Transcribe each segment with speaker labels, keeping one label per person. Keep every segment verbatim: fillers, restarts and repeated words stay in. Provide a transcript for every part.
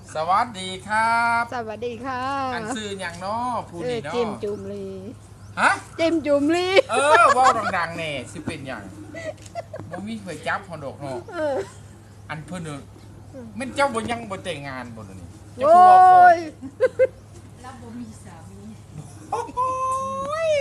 Speaker 1: สวัสดีครับ
Speaker 2: สวัสดีค่ะ
Speaker 1: อันซื้ออย่างน้อผู้นี้เนาะ
Speaker 2: จิมจุมลี
Speaker 1: ฮะ
Speaker 2: จิมจุมลี
Speaker 1: เออว่าวดังๆแน่สิเป็นอย่างบ่มีเคยจับฮอนดอกเนาะ
Speaker 2: เออ
Speaker 1: อันเพิ่นเนอะแม่นเจ้าบ่ยังบ่แต่งงานบ่เดี๋ยวนี้เจ้า
Speaker 2: โอ้
Speaker 1: คือว่าโคต
Speaker 2: ย
Speaker 3: แล้วบ่มีสามี
Speaker 1: โอ้โหย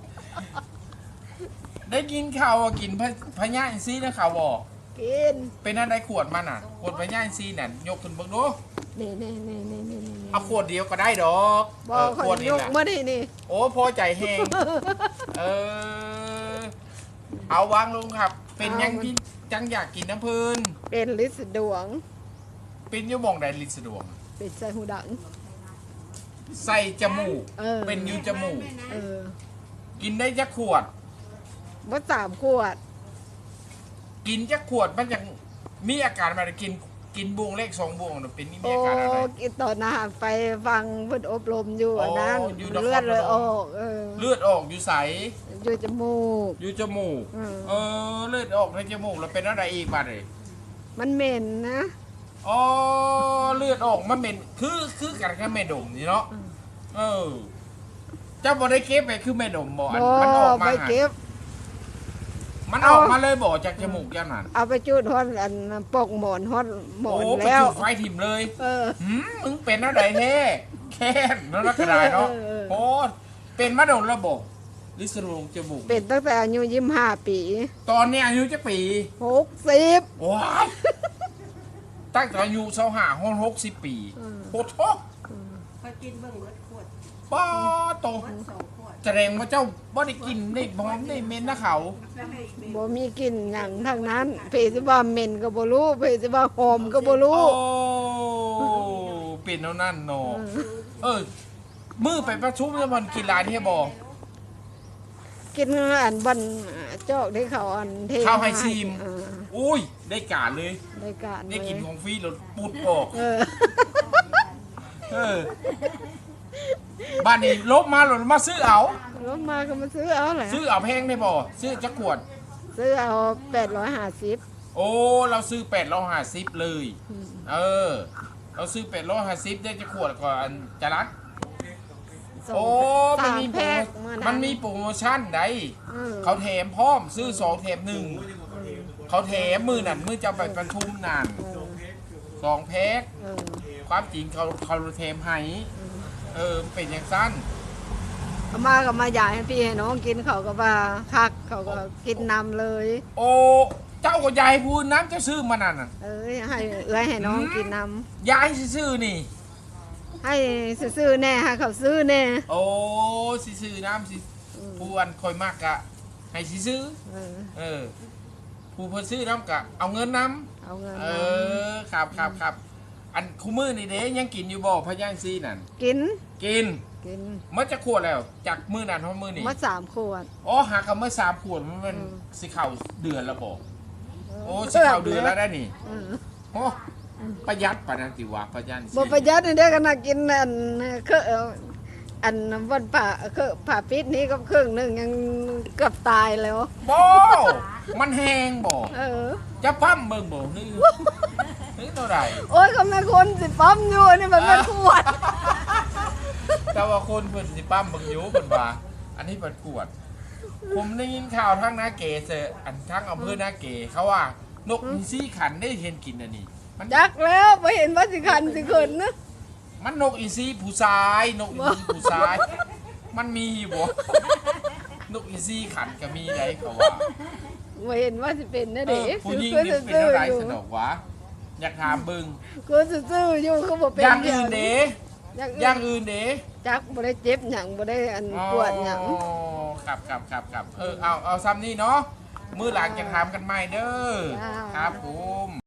Speaker 1: ได้กินข้าวอะกินพะพะย่าอินทรีย์นะข่าวบ่
Speaker 2: กิน
Speaker 1: เป็นอันใดขวดมันน่ะขวดพะย่าอินทรีย์น่ะยกขึ้นเบิ่งดู
Speaker 2: นี่นี่นี่นี่นี่นี่
Speaker 1: เอาขวดเดียวก็ได้ดอก
Speaker 2: บอ
Speaker 1: เอก อ
Speaker 2: เขา
Speaker 1: ขวด
Speaker 2: ย
Speaker 1: นี้
Speaker 2: ก
Speaker 1: แหละ
Speaker 2: มาดินี่
Speaker 1: โอ้พอใจแห้ง เออ เอาวางลงครับ เป็นยังที่จังอยากกินน้ำพื้น
Speaker 2: เป็นลิสดวง
Speaker 1: เป็นอยูหมองใดลิสะดวก
Speaker 2: เป็นใส่หูดัง
Speaker 1: ใส่จมูก
Speaker 2: เออ
Speaker 1: เป็นอยูจมูก
Speaker 2: เออ
Speaker 1: กินได้จักขวด
Speaker 2: ว่าสามขวด
Speaker 1: กินจักขวดมันยังมีอาการมากินกินบวงเลขสองบวงน่ะเป็นนี่มี
Speaker 2: โอ้
Speaker 1: อาการอะไร
Speaker 2: กินตอนอาหารไปฟังเพิ่นอบรมอยู่อันนั้น
Speaker 1: โอ้อยู่นคร
Speaker 2: เลือดเลย
Speaker 1: พนม
Speaker 2: ออกเออ
Speaker 1: เลือดออกอยู่ใส
Speaker 2: อยู่จมูก
Speaker 1: อยู่จมูก
Speaker 2: อืม
Speaker 1: เออเลือดออกในจมูกแล้วเป็นอะไรอีกบ้างเลย
Speaker 2: มันเหม็นนะ
Speaker 1: อ๋อเลือดออกมันเหม็นคือคือกันกับแม่ดมนี่เนาะ
Speaker 2: อืม
Speaker 1: เออ เจ้าบ่ได้เก็บไปคือแม่ดมบ่อัน
Speaker 2: โอ้
Speaker 1: มันออกมา
Speaker 2: ไป
Speaker 1: หา
Speaker 2: เก็บ
Speaker 1: มัน
Speaker 2: เอา
Speaker 1: ออกมาเลยบ่จากจมูกย่านนั้น
Speaker 2: เอาไปจุดฮอดอันปกหมอนฮอดหมอ
Speaker 1: โอ้
Speaker 2: น
Speaker 1: ไป
Speaker 2: แล้ว
Speaker 1: จุดไฟถิ่มเลย
Speaker 2: เออ
Speaker 1: หืมมึงเป็นอะไรแท้แค้นแล้วนักกระดายเนาะ
Speaker 2: เออเออ
Speaker 1: โอ้เป็นมาโดนระบบลิสโรงจมูก
Speaker 2: เป็นตั้งแต่อายุยี่สิบห้าปี
Speaker 1: ตอนนี้อายุจักปี
Speaker 2: หกสิบ
Speaker 1: ว้ายตั้งแต่อายุเท่าห้าห้องหกสิบปี
Speaker 2: อืม
Speaker 1: โอ้โห
Speaker 3: พอกินเบิ่งเบิดขวด
Speaker 1: ป้าโต
Speaker 3: เบิดสองขวด
Speaker 1: แสดงว่าเจ้าบ่ได้กินได้บอมได้เมนนะเขา
Speaker 3: แล้วให้เม
Speaker 2: บ่มีกลิ่นหยังทางนั้นเพสิว่าเหม็นก็บ่รู้เพสิว่าหอมก็บ่รู้
Speaker 1: โอ้เป็นเท่านั้นเนาะเออ มือไปประชุมแล้วมันกินหลายเที่ยบ่
Speaker 2: กินอันบันจอกได้เขาอันเท
Speaker 1: ข้าวไฮซีม
Speaker 2: เออ
Speaker 1: อุ้ย ได้การเลย
Speaker 2: ได้การ
Speaker 1: ได้กิน
Speaker 2: เลย
Speaker 1: ของฟรีแล้วปุดออก
Speaker 2: เออ
Speaker 1: เออ บ้านนี้ลบมาหล่นมาซื้อเอา
Speaker 2: รถมาก็มาซื้อเอาแหละ
Speaker 1: ซื้อเอาแพงได้บ่ซื้อจักขวด
Speaker 2: ซื้อเอาแปดร้อยห้าสิบ
Speaker 1: โอ้ เราซื้อแปดร้อยห้าสิบเลย เออ เราซื้อแปดร้อยห้าสิบได้จักขวดก่อนจะรัด โอ้ มันมีโปร
Speaker 2: แพ็
Speaker 1: โม
Speaker 2: ก
Speaker 1: มันมีโปรโมชั่นได้
Speaker 2: เออ
Speaker 1: เขาแถมพร้อมซื้อสองแถมหนึ่ง เขาแถมมือนั่นมือจะไปประชุมนั่น
Speaker 2: เออ
Speaker 1: สองแพ็ค
Speaker 2: เออ
Speaker 1: ความจริงเขาเขาแถมให้ เออ เป็นอย่างสั้น
Speaker 2: เอามาก็มาอยากให้พี่ให้น้องกินเขาก็ว่าคักเขาก็กินนำเลย
Speaker 1: โอ้ เจ้าก็ยายพูดน้ำเจ้าซื้อมานั่นน่ะ
Speaker 2: เอ้ยให้เอื้อยให้น้องกินน
Speaker 1: ยายซื้อนี่
Speaker 2: ำให้ซื้อๆแน่ให้เขาซื้อแน่
Speaker 1: โอ้สิซื้อน้ำสิผู้อันคอยมากกะ ให้สิซื้อ
Speaker 2: เออ
Speaker 1: เออ ผู้เพิ่นซื้อน้ำกะ เอาเงินน้
Speaker 2: เอาเงิน
Speaker 1: ำเอ
Speaker 2: มา
Speaker 1: อ ครับครับครับ อันคู่มือนี่เด้ยังกินอยู่บ่พะย่างซีนั่น
Speaker 2: กิน
Speaker 1: กิน
Speaker 2: กิน
Speaker 1: มันจะขวดแล้ว จากมือนั้นเพราะมือนี่
Speaker 2: มาสามขวด
Speaker 1: อ๋อหากันเมื่อสามขวดมันมัน
Speaker 2: อืม
Speaker 1: สิเข่าเดือนแล้วบอกโอ้สิเข่าเดือนแล้วได้นี่
Speaker 2: เออ
Speaker 1: โอ้ประหยัดปานนันติวะพะย่างซี
Speaker 2: บ่ประหยัดนี่เด้อกันนะกินอันเคออันวันผ่าเคอผ่าปิดนี้ก็ครึ่งหนึงยังเกือบตายแล้ว
Speaker 1: บ่มันแห้งบ่
Speaker 2: เออ
Speaker 1: จะปั้มเบิ่งบ่นี่นี่เท่าไหร่
Speaker 2: โอ้ยก็แม่คนสิปั๊มอยู่นี่มันเป็นขวด
Speaker 1: แต่ว่าคนเพิ่นสิปั้มเบิ่งอยู่เพิ่นว่า อันนี้เพิ่นกวด ผมได้ยินข่าวทั้งนาเกเซออันทั้งอำเภอนาเกเขาว่านกมีซี่ขันได้เห็นกินอันนี้ มัน
Speaker 2: จักแล้วบ่เห็นว่าสิคันสิขึ้นนะ
Speaker 1: มันนกอีซี่ผู้ชาย นกอีซี่ผู้ชาย มันมีอยู่บ่ นกอีซี่ขันก็มีได้เขาว่า
Speaker 2: บ่เห็นว่าสิเป็นนะ
Speaker 1: เอ
Speaker 2: เด้
Speaker 1: อผู้หญิง
Speaker 2: คือ
Speaker 1: นี่เป็น
Speaker 2: ซื่อ
Speaker 1: อะไร
Speaker 2: ๆอยู่
Speaker 1: สนอกวะอยากถามเบิ่ง
Speaker 2: คือซื่อๆอยู่เขาบ่เป็น
Speaker 1: อย่างอื่นเด้
Speaker 2: อย่าง
Speaker 1: อย่า
Speaker 2: อื่
Speaker 1: ง
Speaker 2: น
Speaker 1: อื่นเด้
Speaker 2: จักบ่ได้เจ็บหยังบ่ได้อันปวดหยัง
Speaker 1: อ๋อครับครับครับครับเออเอาเอาซ้ำนี่เนาะมือหลังจะถามกันใหม่เด้อ
Speaker 2: จ้า
Speaker 1: ครับผม